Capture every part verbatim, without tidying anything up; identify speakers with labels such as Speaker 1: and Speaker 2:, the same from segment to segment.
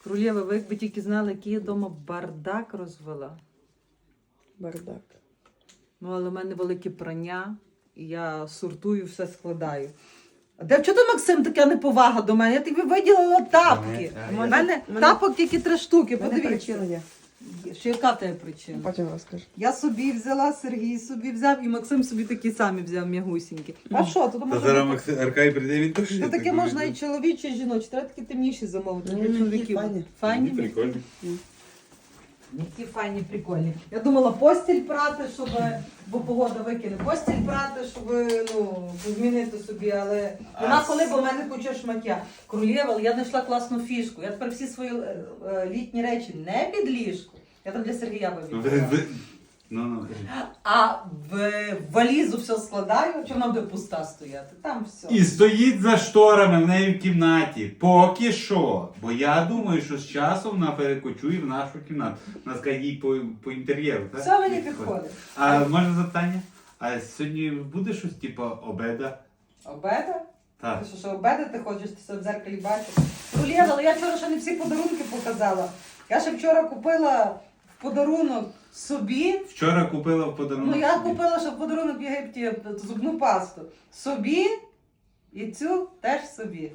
Speaker 1: Королєва, ви якби тільки знали, який я вдома бардак розвела.
Speaker 2: Бардак.
Speaker 1: Ну, але в мене велике прання, і я сортую, все складаю. А де чого ти, Максим, така неповага до мене? Я тобі виділила тапки. У
Speaker 2: Мене-
Speaker 1: мене
Speaker 2: мене-
Speaker 1: тапок тільки три штуки,
Speaker 2: Мене
Speaker 1: подивіться.
Speaker 2: причина є.
Speaker 1: Що яка в тебе причина?
Speaker 2: Потім розкажу.
Speaker 1: Я собі взяла, Сергій собі взяв, і Максим собі такі самі взяв м'ягусінькі. А що, тут
Speaker 3: Та
Speaker 1: можна...
Speaker 3: зараз
Speaker 1: бути-
Speaker 3: Максим Аркай прийде, він теж.
Speaker 1: Тут таке можна і чоловічі, і жіночі. Треба такі темніші замовити
Speaker 2: Ну,
Speaker 1: для
Speaker 2: які
Speaker 1: чоловіків.
Speaker 2: файні.
Speaker 1: Файні?
Speaker 3: Прикольно.
Speaker 1: Які файні, прикольні. Я думала постіль прати, щоб, бо погода викине, постіль прати, щоб, ну, змінити собі, але вона коли, бо в мене куча шмаття. Королєва, але я знайшла класну фішку. Я тепер всі свої е, е, літні речі не під ліжку. Я там для Сергія вибігла.
Speaker 3: Ну, ну.
Speaker 1: А в валізу все складаю, чи вона буде пуста стояти? Там все.
Speaker 3: І стоїть за шторами в неї в кімнаті. Поки що. Бо я думаю, що з часом вона перекочує в нашу кімнату. У нас каже, їй по, по інтер'єру, так?
Speaker 1: Все мені підходить.
Speaker 3: А можна запитання? А сьогодні буде щось типу обеда?
Speaker 1: Обеда?
Speaker 3: Так.
Speaker 1: Ти що, що обедати хочеш, ти себе в зеркалі бачиш? Олєва, але я вчора ще не всі подарунки показала. Я ще вчора купила в подарунок собі.
Speaker 3: Вчора купила в подарунок.
Speaker 1: Ну я
Speaker 3: собі.
Speaker 1: купила ще в подарунок в Єгипті зубну пасту. Собі і цю теж собі.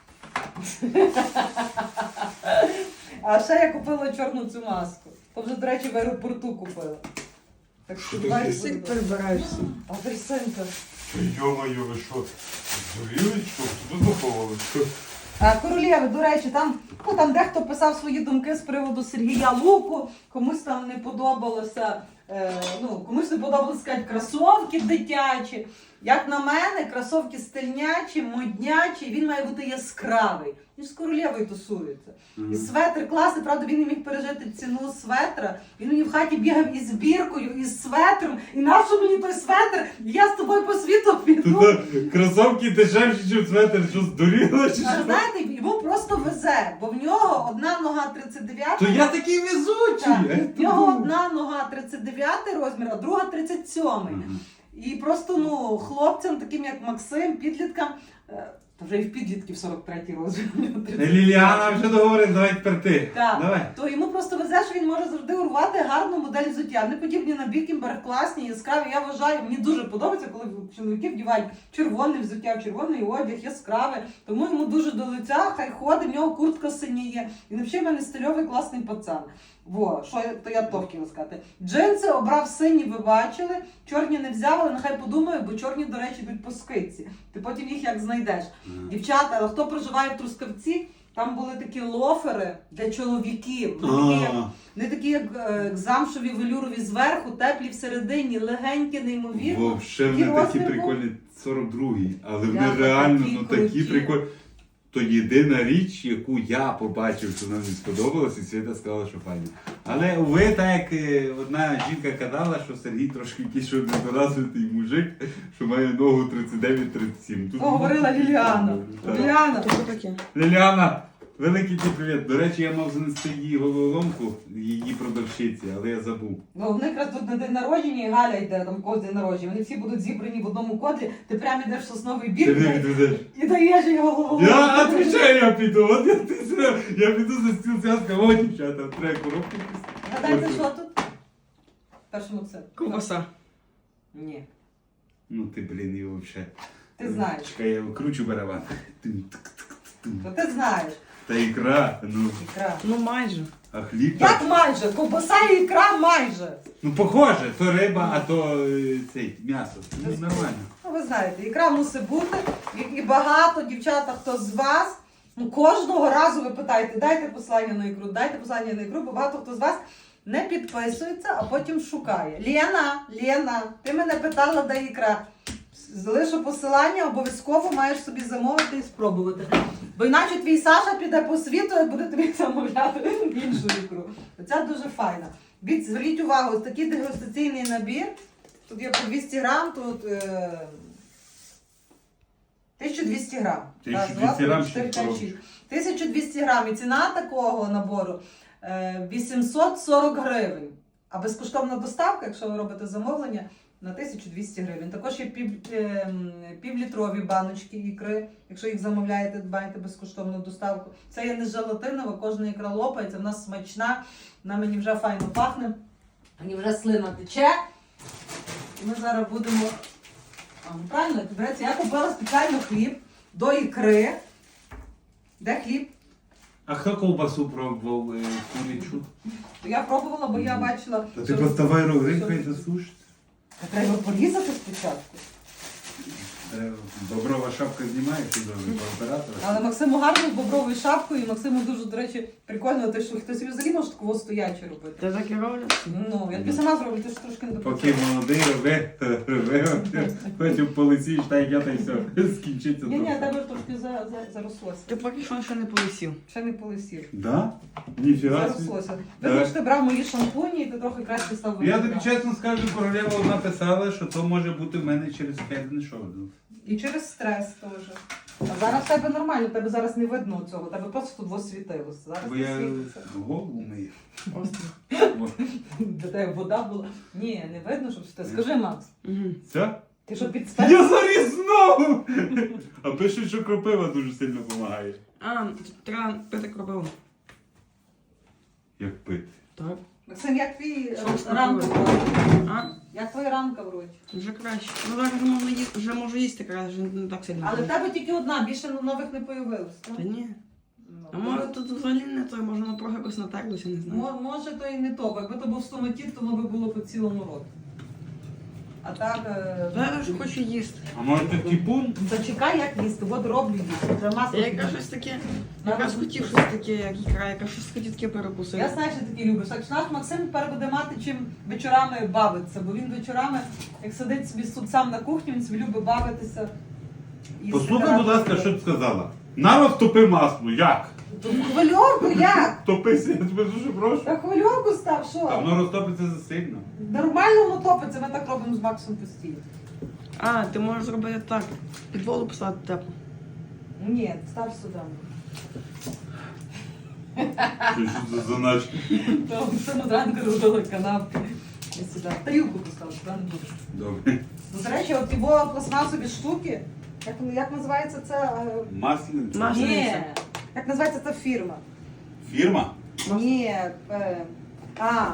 Speaker 1: А ще я купила чорну цю маску. То вже, до речі, в аеропорту купила. Так що
Speaker 3: Що
Speaker 1: бачиш,
Speaker 3: таке?
Speaker 2: Всіх перебираєшся.
Speaker 1: апельсинка.
Speaker 3: Йо-моє, ви що? Зуріли, що? Тут заховали?
Speaker 1: А, Королєви, до речі, там, ну, там дехто писав свої думки з приводу Сергія Луку, комусь там не подобалося, е, ну, комусь не подобалося, сказати, кросовки дитячі. Як на мене, кросовки стильнячі, моднячі, він має бути яскравий. Він з Королєвою тусується. І светр класний, правда, він не міг пережити ціну светра. Він мені в хаті бігав із біркою, із светром. І нащо мені той светр? Я з тобою по світу піду.
Speaker 3: Тут кросовки дешевші, ніж светр, що здуріло, чи
Speaker 1: А
Speaker 3: що?
Speaker 1: знаєте, йому просто везе, бо в нього одна нога тридцять дев'ять.
Speaker 3: То я такий везучий!
Speaker 1: Так,
Speaker 3: я
Speaker 1: в нього
Speaker 3: думаю.
Speaker 1: одна нога тридцять дев'ятий розмір, а друга тридцять сьомий.
Speaker 3: Ага.
Speaker 1: І просто, ну, хлопцям, таким як Максим, підліткам, е, та вже і в підлітків сорок третій розмір.
Speaker 3: Ліліана вже договорить, давай тепер ти.
Speaker 1: Так,
Speaker 3: Давай.
Speaker 1: то йому просто везе, що він може завжди урвати гарну модель взуття. Вони подібні на Бікінберг, класні, яскраві. Я вважаю, мені дуже подобається, коли чоловіки вдівають червоне взуття, червоний одяг, яскраве. Тому йому дуже до лиця, хай ходить, в нього куртка синіє. І взагалі в мене стильовий класний пацан. Во, що я, то я то хотіла сказати. Джинси обрав сині, ви бачили. Чорні не взяв, але нехай подумаю, бо чорні, до речі, йдуть по скидці. Ти потім їх як знайдеш. Дівчата, але хто проживає в Трускавці, там були такі лофери для чоловіків. Не такі, як, не такі, як е, замшові велюрові зверху, теплі всередині, легенькі, неймовірно.
Speaker 3: Вовше
Speaker 1: Який
Speaker 3: вони такі
Speaker 1: розмір був?
Speaker 3: прикольні, сорок другий, але вони
Speaker 1: Я
Speaker 3: реально
Speaker 1: такі
Speaker 3: ну такі
Speaker 1: круті.
Speaker 3: прикольні. То єдина річ, яку я побачив, що нам не сподобалось, і Свята сказала, що файно. Але ви, так як е, одна жінка казала, що Сергій трошки якийсь що недоразвитий мужик, що має ногу тридцять дев'ять тридцять сім. Тут-
Speaker 1: То говорила Ліліана.
Speaker 3: Так.
Speaker 1: Ліліана,
Speaker 2: То що таке?
Speaker 3: Ліліана, великий ти привіт. До речі, я мав занести її головоломку, її продавщиці, але я забув.
Speaker 1: ну, в них якраз тут на день народження і Галя йде, там когось день народження. Вони всі будуть зібрані в одному кодлі, ти прямо йдеш в сосновий
Speaker 3: Ти
Speaker 1: бір
Speaker 3: не відведеш.
Speaker 1: і даєш його голову.
Speaker 3: Я отвечаю, я піду. От я, ти, зра- я піду за стіл цяска, о, дівчата, треба коробки.
Speaker 1: Гадайте, що тут? Першому це.
Speaker 2: Ковбаса.
Speaker 1: Ні.
Speaker 3: Ну ти, блін, і вообще.
Speaker 1: Ти знаєш.
Speaker 3: Чекай, я кручу барабан. Тин, тик, тик, тин.
Speaker 1: То ти знаєш.
Speaker 3: Та ікра, ну,
Speaker 1: Ікра.
Speaker 2: Ну майже.
Speaker 3: а хліб.
Speaker 1: Як майже? Ковбаса і ікра майже.
Speaker 3: Ну похоже, то риба, а то е, цей, м'ясо. Ну, нормально.
Speaker 1: Ну, ви знаєте, ікра мусить бути. І, і багато, дівчата, хто з вас, ну, кожного разу ви питаєте, дайте послання на ікру, дайте послання на ікру, бо багато хто з вас не підписується, а потім шукає. Лена, Лена, ти мене питала, де ікра. Залишу посилання, обов'язково маєш собі замовити і спробувати. Бо іначе твій Саша піде по світу і буде тобі замовляти іншу ікру. Ця дуже файна. Від, зверніть увагу, ось такий дегустаційний набір. Тут є по двісті грам, тут е, тисяча двісті грам. Раз,
Speaker 3: тисяча
Speaker 1: два,
Speaker 3: двісті
Speaker 1: три,
Speaker 3: грам,
Speaker 1: чотири,
Speaker 3: шість
Speaker 1: п'ять,
Speaker 3: коробочок.
Speaker 1: шість. тисяча двісті грам. І ціна такого набору е, вісімсот сорок гривень. А безкоштовна доставка, якщо ви робите замовлення, на тисячу двісті гривень. Також є пів, ем, півлітрові баночки ікри. Якщо їх замовляєте, маєте безкоштовну доставку. Це є не желатинова, кожна ікра лопається, вона смачна, вона мені вже файно пахне. Мені вже слина тече. І ми зараз будемо. А, ну правильно, береться. Я купила спеціально хліб до ікри. Де хліб?
Speaker 3: А хто ковбасу пробував е, курячу?
Speaker 1: Я пробувала, бо я бачила.
Speaker 3: Та ти
Speaker 1: що-
Speaker 3: поставай
Speaker 1: що-
Speaker 3: рогринку і засушити.
Speaker 1: Та треба порізати спочатку.
Speaker 3: Треба. Боброва шапка знімає, що добре, по оператору.
Speaker 1: Але Максиму гарно з бобровою шапкою, і Максиму дуже, до речі, прикольно, те, що хтось взагалі може такого стояче робити.
Speaker 2: Ти так і роблять?
Speaker 1: Ну, я тобі сама зроблю, ти ж трошки не
Speaker 3: Поки
Speaker 1: допрацюєш.
Speaker 3: молодий, роби, роби, потім полетіш, та як я, та й все, скінчиться.
Speaker 1: Ні, ні,
Speaker 3: трохи.
Speaker 1: тебе трошки за, за, зарослося.
Speaker 2: Ти поки що ще не полисів.
Speaker 1: Ще не полисів.
Speaker 3: Да? Ніфіга собі.
Speaker 1: Зарослося.
Speaker 3: Так.
Speaker 1: Видно, що ти брав мої шампуні, і ти трохи краще став
Speaker 3: Я
Speaker 1: виглядати.
Speaker 3: тобі чесно скажу, королева одна писала, що то може бути в мене через п'ять шоу.
Speaker 1: І через стрес теж. А зараз в тебе нормально, в тебе зараз не видно цього, в тебе просто тут світилося. Зараз
Speaker 3: Бо
Speaker 1: не
Speaker 3: я
Speaker 1: світиться.
Speaker 3: голову мию.
Speaker 2: Остро.
Speaker 3: О,
Speaker 1: Для тебе вода була. Ні, не видно, щоб ти. Скажи, Макс,
Speaker 2: Угу.
Speaker 3: Все?
Speaker 1: ти що під спец?
Speaker 3: Я заріз знову! А пишуть, що кропива дуже сильно допомагає.
Speaker 2: А, треба пити кропиву.
Speaker 3: Як пити.
Speaker 2: Так.
Speaker 1: Максим, як твій
Speaker 2: Що ж
Speaker 1: ранка в
Speaker 2: таке?
Speaker 1: роті?
Speaker 2: А,
Speaker 1: Як твоя ранка в роті?
Speaker 2: вже краще. Ну зараз вже можна їсти, вже можу їсти краще, не так сильно.
Speaker 1: Але в тебе тільки одна, більше нових не появилось. так?
Speaker 2: Та ні.
Speaker 1: Ну,
Speaker 2: А може тут взагалі не то, може воно трохи якось натерлося, не знаю.
Speaker 1: Мо- Може, то і не то, бо якби то був стоматіт, то воно би було по цілому роті. А так. е,
Speaker 2: Зараз ж хочу їсти.
Speaker 3: А може це тіпун?
Speaker 1: Зачекай, як їсти, от роблю їсти. Вже масло.
Speaker 2: Я якраз щось таке, якраз хотів щось таке, як ікра, якраз щось хотів таке перекусити.
Speaker 1: Я знаю, що ти такі любиш. Так що наш Максим тепер буде мати чим вечорами бавитися, бо він вечорами, як сидить собі тут сам на кухні, він собі любить бавитися. їсти
Speaker 3: Послухай, будь ласка,
Speaker 1: каравки.
Speaker 3: що ти сказала. Народ топи масло, як?
Speaker 1: То хвильовку як?
Speaker 3: Топися, я тебе дуже прошу.
Speaker 1: Та хвильовку став,
Speaker 3: А
Speaker 1: що?
Speaker 3: воно розтопиться засильно.
Speaker 1: Нормально воно топиться, ми так робимо з Максом постійно.
Speaker 2: А, ти можеш зробити так. Під воду поставити тепло.
Speaker 1: Ні, став сюди.
Speaker 3: Що що це за наче?
Speaker 1: То Максиму зранку робила канапки. І сюди. Тарілку поставив, сюди не будеш.
Speaker 3: Добре.
Speaker 1: Ну, до речі, от його пластмасові штуки, як, як називається це? е,
Speaker 3: Масляниця.
Speaker 2: Мас-
Speaker 1: Ні.
Speaker 2: Масляниця.
Speaker 1: Як називається ця фірма?
Speaker 3: Фірма?
Speaker 1: Ні. Е, а.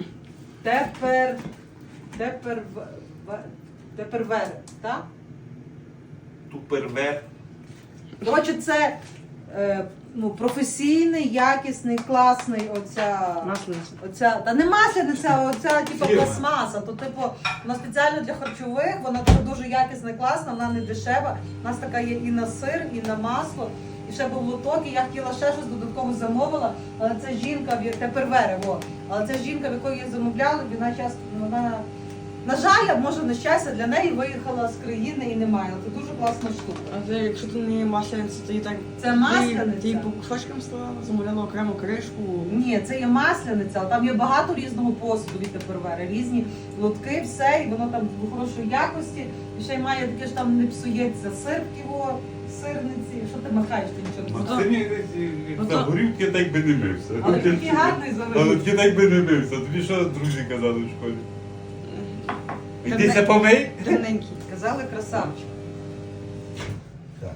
Speaker 1: Тепер. Тепер. в- в- Тепер вер, так?
Speaker 3: Тупервер.
Speaker 1: Коротше, це е, ну, професійний, якісний, класний оця.
Speaker 2: Маслениця.
Speaker 1: Оця, та не масляниця, а оця типу
Speaker 3: Фірма.
Speaker 1: пластмаса. То, типу, вона спеціально для харчових, вона така дуже якісна, класна, вона не дешева. У нас така є і на сир, і на масло, і ще був лоток, і я хотіла ще щось додатково замовила, але ця жінка, в я- тепер вере, во. Але ця жінка, в якої я замовляла, вона час, вона, на жаль, може на щастя, для неї виїхала з країни і немає. Але це дуже класна штука.
Speaker 2: А ти, якщо ти не масляниця, то і так.
Speaker 1: Це масляниця?
Speaker 2: Ти, ти по кусочкам ставила, замовляла окрему кришку.
Speaker 1: Ні, це є масляниця, але там є багато різного посуду від тепервери, різні лотки, все, і воно там в хорошої якості. І ще й має таке ж там не псується сир в його сирниці. Що ти махаєш, ти нічого не
Speaker 2: Ото-
Speaker 3: Максим як
Speaker 2: Ото-
Speaker 3: за горівки так би не мився.
Speaker 1: Але такий гарний
Speaker 3: Але
Speaker 1: завеликий.
Speaker 3: ти так би не мився. Тобі що друзі казали в школі?
Speaker 2: Та
Speaker 3: Йдися
Speaker 2: не-
Speaker 3: помий.
Speaker 2: Темненький.
Speaker 1: Казали красавчик.
Speaker 3: Так.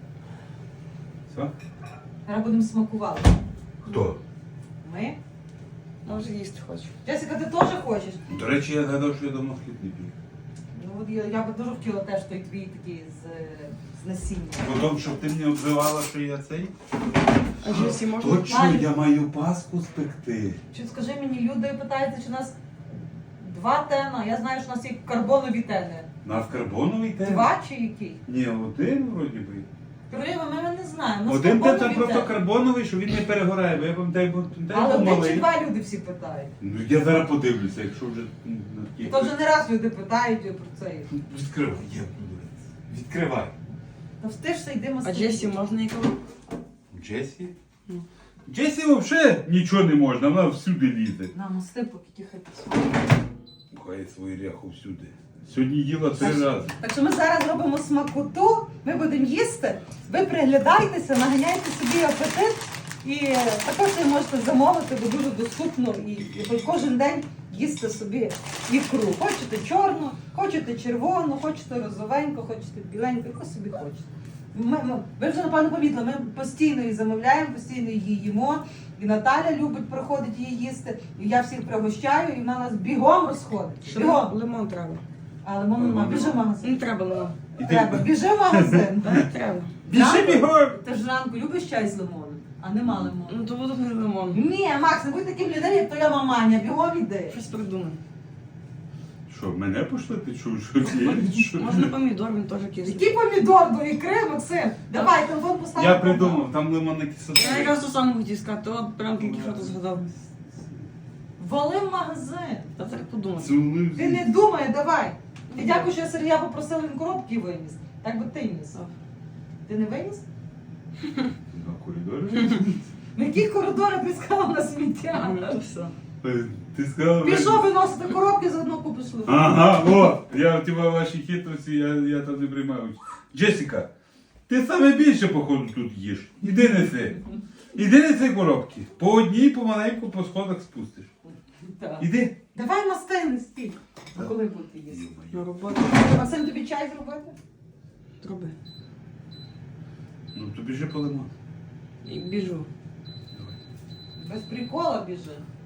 Speaker 3: Все?
Speaker 1: Зараз будемо смакувати.
Speaker 3: Хто?
Speaker 1: Ми?
Speaker 2: Може їсти хочу.
Speaker 1: Джесіка, ти теж хочеш?
Speaker 3: До речі, я гадав, що я давно хліб не пів.
Speaker 1: Ну от я, я би дуже хотіла теж той твій такий з, з насіння.
Speaker 3: Потім, щоб ти мені обзивала, що я цей.
Speaker 2: А жінці можна?
Speaker 3: Точно,
Speaker 1: Валю.
Speaker 3: я маю паску спекти.
Speaker 1: Чи скажи мені, люди питаються, чи у нас два тена. Я знаю, що у нас є карбонові тени.
Speaker 3: На в карбоновий тен?
Speaker 1: Два чи який?
Speaker 3: Ні, один вроді би.
Speaker 1: Королева, ми не знаємо. У нас
Speaker 3: Один тен
Speaker 1: карбонові
Speaker 3: це просто
Speaker 1: тени.
Speaker 3: карбоновий, що він не перегорає, бо я пам'ятаю, бо пам'ятаю,
Speaker 1: Але
Speaker 3: був
Speaker 1: один чи
Speaker 3: малий.
Speaker 1: два люди всі питають.
Speaker 3: Ну я зараз подивлюся, якщо вже м, на такі.
Speaker 1: То вже не раз люди питають про це.
Speaker 3: Відкривай, я буду. Відкривай.
Speaker 1: Та встижся, йдемо
Speaker 2: А Джесі можна і коли?
Speaker 3: Джесі?
Speaker 2: Ну.
Speaker 3: Джесі взагалі нічого не можна, вона всюди лізе.
Speaker 1: На, мости, поки тихо підсмажує.
Speaker 3: Пхає свою ряху всюди. Сьогодні їла три
Speaker 1: Так.
Speaker 3: рази.
Speaker 1: Так що ми зараз робимо смакоту, ми будемо їсти. Ви приглядайтеся, наганяйте собі апетит. І також ви можете замовити, бо дуже доступно і, і хоч кожен день їсти собі ікру. Хочете чорну, хочете червону, хочете розовеньку, хочете біленьку, яку собі хочете. Ми, ми, ви вже, напевно, помітили, ми постійно її замовляємо, постійно її їмо. І Наталя любить приходить її їсти. І я всіх пригощаю, і вона нас бігом розходить.
Speaker 2: Ще
Speaker 1: Бігом.
Speaker 2: лимон треба.
Speaker 1: А лимон нема, біжи в магазин.
Speaker 2: Не треба лимон.
Speaker 1: Треба, біжи в магазин.
Speaker 2: Не треба.
Speaker 3: Біжи бігом!
Speaker 1: Ти ж ранку любиш чай з лимоном, а нема лимону.
Speaker 2: Ну то буде не лимон.
Speaker 1: Ні, Макс, не будь таким людиною, як твоя маманя, бігом іди.
Speaker 2: Щось придумай.
Speaker 3: Що, мене пошли? Ти чув, що я? Що?
Speaker 2: Можна помідор, він теж кислий.
Speaker 1: Який помідор до ікри, Максим? Давай, телефон постав.
Speaker 3: Я придумав, там лимонна кислота.
Speaker 2: Я якраз то саме хотів сказати, от прям тільки що то згадав.
Speaker 1: Вали в магазин.
Speaker 2: Та так подумати.
Speaker 3: Цілуй.
Speaker 1: Ти не думай, давай. Ти дякую, що я Сергія попросила, він коробки виніс. Так би ти ніс. Ти не виніс?
Speaker 3: На коридорі?
Speaker 1: На яких коридорах ти сказала на
Speaker 2: Ну
Speaker 1: сміття?
Speaker 2: то все.
Speaker 3: Ти сказав...
Speaker 1: Пішов виносити коробки, заодно купиш лимон.
Speaker 3: Ага, о, я в тебе ваші хитрості, я, я там не приймаю. Джесіка, ти саме більше, походу, тут їш. Іди неси. Іди неси коробки. По одній помаленьку по сходах спустиш.
Speaker 1: Так.
Speaker 3: Іди.
Speaker 1: Давай мастини стій. А коли будете їсти?
Speaker 2: На роботу.
Speaker 1: Максим, тобі чай зробити?
Speaker 2: Роби.
Speaker 3: Ну, то біжи по лимон.
Speaker 2: І біжу.
Speaker 1: Без прикола біжи.